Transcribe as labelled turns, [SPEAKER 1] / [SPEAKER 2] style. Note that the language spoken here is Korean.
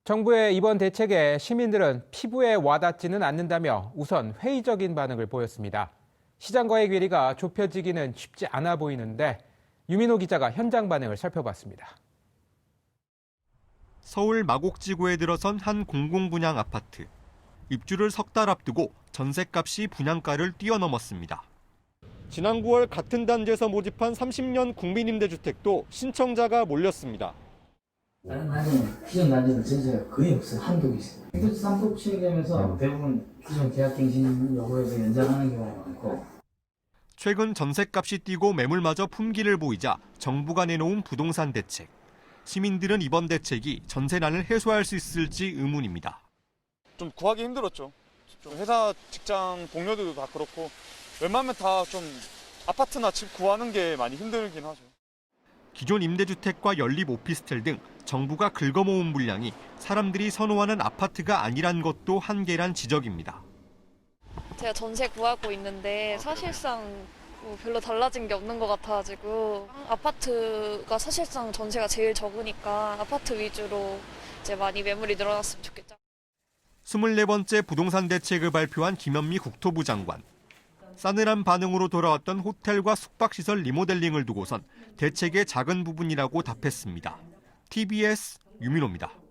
[SPEAKER 1] 정부의 이번 대책에 시민들은 피부에 와닿지는 않는다며 우선 회의적인 반응을 보였습니다. 시장과의 괴리가 좁혀지기는 쉽지 않아 보이는데 유민호 기자가 현장 반응을 살펴봤습니다.
[SPEAKER 2] 서울 마곡지구에 들어선 한 공공분양 아파트. 입주를 석 달 앞두고 전셋값이 분양가를 뛰어넘었습니다. 지난 9월 같은 단지에서 모집한 30년 국민임대주택도 신청자가 몰렸습니다.
[SPEAKER 3] 다른 단지는 기존 단지는 전세가 거의 없어요. 한두 개 있어요. 임대차 3급 시행되면서 대부분 기존 계약갱신 여부에서 연장하는 경우가 많고.
[SPEAKER 2] 최근 전셋값이 뛰고 매물마저 품기를 보이자 정부가 내놓은 부동산 대책. 시민들은 이번 대책이 전세난을 해소할 수 있을지 의문입니다.
[SPEAKER 4] 좀 구하기 힘들었죠. 좀 회사 직장 동료들도 다 그렇고 웬만하면 다 좀 아파트나 집 구하는 게 많이 힘들긴 하죠.
[SPEAKER 2] 기존 임대주택과 연립 오피스텔 등 정부가 긁어모은 물량이 사람들이 선호하는 아파트가 아니란 것도 한계란 지적입니다.
[SPEAKER 5] 제가 전세 구하고 있는데 사실상 뭐 별로 달라진 게 없는 것 같아가지고 아파트가 사실상 전세가 제일 적으니까 아파트 위주로 이제 많이 매물이 늘어났으면 좋겠죠.
[SPEAKER 2] 24번째 부동산 대책을 발표한 김현미 국토부 장관. 싸늘한 반응으로 돌아왔던 호텔과 숙박시설 리모델링을 두고선 대책의 작은 부분이라고 답했습니다. TBS 유민호입니다.